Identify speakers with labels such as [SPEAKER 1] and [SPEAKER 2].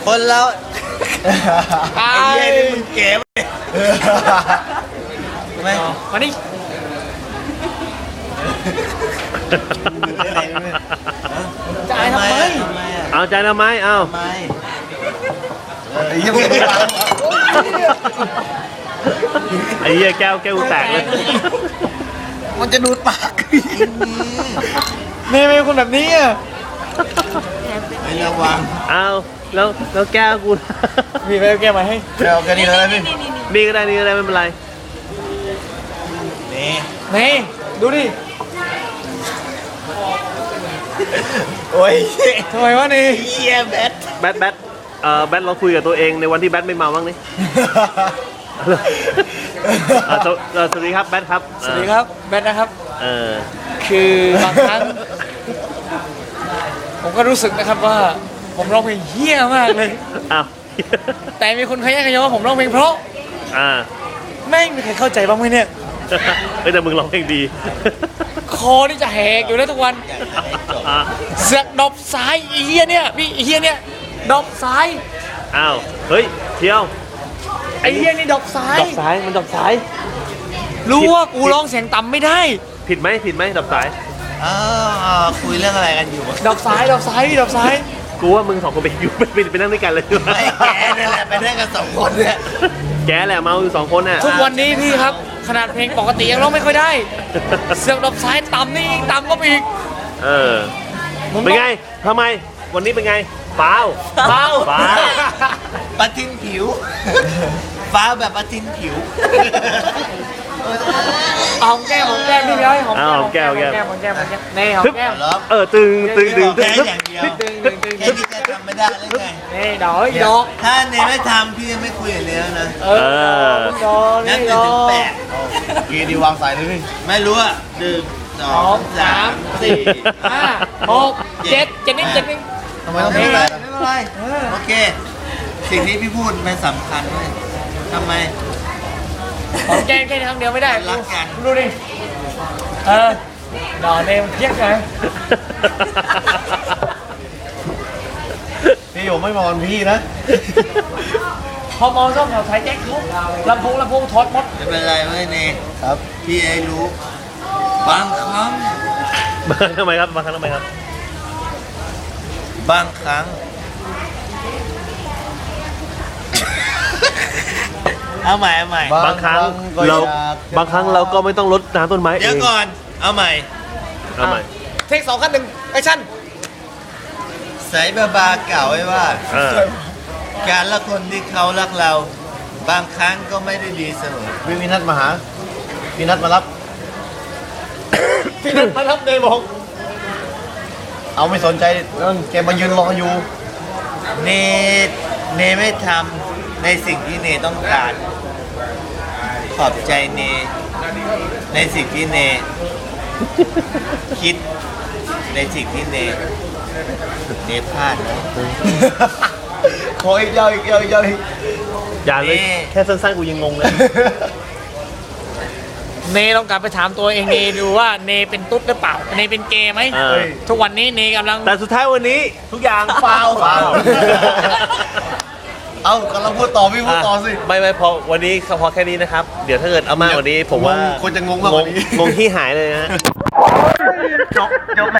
[SPEAKER 1] คนเรา
[SPEAKER 2] ไอ้
[SPEAKER 1] เหี้ยนี่มึงเก๋ไหมไม่
[SPEAKER 2] มาดิจ่ายทำไม
[SPEAKER 3] เอาใจทำไมเอา
[SPEAKER 1] ไอ้เหี้ยมึง
[SPEAKER 3] ไอ้เหี้ยแก้วแตกเลย
[SPEAKER 1] มันจะดูดปาก
[SPEAKER 2] นี่เป็นคนแบบนี้อ่ะ
[SPEAKER 1] ไม่ระวัง
[SPEAKER 3] เอาแล้วแก้วกู
[SPEAKER 2] พี่ไปเอาแก้วมาให้
[SPEAKER 1] แก้วกันนี่เลยพี่
[SPEAKER 3] นี่ก็ได้นี่ก็ได้ไม่เป็นไร
[SPEAKER 2] นี่ดูดิ
[SPEAKER 1] โอ้ย
[SPEAKER 2] ทำไมวะนี่
[SPEAKER 1] เหี้ยแบท
[SPEAKER 3] แบทเราคุยกับตัวเองในวันที่แบทไม่เมาบ้างนี่สวัสดีครับแบทครับ
[SPEAKER 2] สวัสดีครับแบทนะครับคือบางครั้งผมก็รู้สึกนะครับว่าผมร้องเพลงเหี้ยมากเลย
[SPEAKER 3] อ้าว
[SPEAKER 2] แต่มีคนขยันขยอว่าผมร้องเพลงเพราะแม่งมีใครเข้าใจบ้างไหมเนี่ย
[SPEAKER 3] แต่มึงร้องเพลงดี
[SPEAKER 2] คอนี่จะแหกอยู่แล้วทุกวันเสือกดอกซ้ายอีเหี้ยเนี่ยพี่อีเหี้ยเนี่ยดอกซ้าย
[SPEAKER 3] อ้าวเฮ้ยเที่ยว
[SPEAKER 2] ไอ้เหี้ยนี่ดอกซ้าย
[SPEAKER 3] มันดอกซ้าย
[SPEAKER 2] รู้ว่ากูร้องเสียงต่ำไม่ได้
[SPEAKER 3] ผิดไหมดอกซ้าย
[SPEAKER 1] คุยเรื่องอะไรกันอยู่
[SPEAKER 2] ดอกซ้ายพี่ดอกซ้าย
[SPEAKER 3] กูว่ามึงสองคนไปอยู่ไปนั่งด้วยกันเลย
[SPEAKER 1] ไม่แกนี่แหละไปนั่งกัน2 คนเนี่ย
[SPEAKER 3] แกแหละเมาอยู่2 คนน่ะ
[SPEAKER 2] ทุกวันนี้พี่ครับขนาดเพลงปกติยังร้องไม่ค่อยได้เสือกดอกซ้ายต่ำนี่อีกต่ำก็อีก
[SPEAKER 3] เป็นไงทำไมวันนี้เป็นไงเปล่า
[SPEAKER 1] ปะทินผิวฟ้าแบบปะทินผิว
[SPEAKER 2] หอมแก้มพี่ย้อยหอมแก้มนี่หอมแก้ม
[SPEAKER 3] ตึง
[SPEAKER 1] แค่อย่างเดียวแค่ที่จะทำไม่ได้แล้วไง
[SPEAKER 2] นี่ดอก
[SPEAKER 1] ถ้าเนไม่ทำพี่ไม่คุยกับเนแล้วนะ
[SPEAKER 2] นั่
[SPEAKER 1] นถึง8กีดีวางสายเลยพี่ไม่รู้อ่ะ1 2 3 4
[SPEAKER 2] 5 6 7นิด
[SPEAKER 1] ทำไมต้องไม่เป็นไรโอเคสิ่งที่พี่พูดมันสำคัญเลยทำไม
[SPEAKER 2] หอมแก้มแค่ครั้งเดียวไม่ได้
[SPEAKER 1] รักกัน
[SPEAKER 2] ดูดิดอกเนมเพี้ยนไง
[SPEAKER 1] พี่อยู่ไม่มองพี่นะ
[SPEAKER 2] พอมองชอบแถวไทยแจ็คทุกลำโพงทอดมด
[SPEAKER 1] ไม่เป็นไรเว้ยเนครับพี่ไอ้รู้บางครั้ง
[SPEAKER 3] ทำไมครับบางครั้ง
[SPEAKER 1] เอาใหม่
[SPEAKER 3] บางครั้งเราก็ไม่ต้องรดน้ำต้นไม้เอง
[SPEAKER 1] เดี๋ยวก่อนเอาใหม่
[SPEAKER 2] เทค2 ขั้น 1แอคชั่น
[SPEAKER 1] ใส่บาเก่าไว้ว่าการละคนที่เขารักเราบางครั้งก็ไม่ได้ดีเสมอพี่นัทมาหาพี่นัทมารับ
[SPEAKER 2] เนยบอก
[SPEAKER 1] เอาไม่สนใจแกมายืนรออยู่เนไม่ทำในสิ่งที่เนต้องการขอบใจเนในสิ่งที่เนคิดในสิ่งที่เนพลาดขออีกยาว
[SPEAKER 3] อย่าเลยแค่สั้นๆกูยังงงเลย
[SPEAKER 2] เนต้องกลับไปถามตัวเองเนดูว่าเนเป็นตุ๊ดหรือเปล่าเนเป็นเกย์ไหมทุกวันนี้เนกำลัง
[SPEAKER 3] แต่สุดท้ายวันนี้ทุกอย่างฟาว
[SPEAKER 1] เอากำลังพูดต่อพี่พูดต่อสิ
[SPEAKER 3] ไม่พอวันนี้พอแค่นี้นะครับเดี๋ยวถ้าเกิดเอามากกว่านี้ผมว่า
[SPEAKER 1] คนจะงงมากกว่านี้
[SPEAKER 3] งงที่หายเลยนะ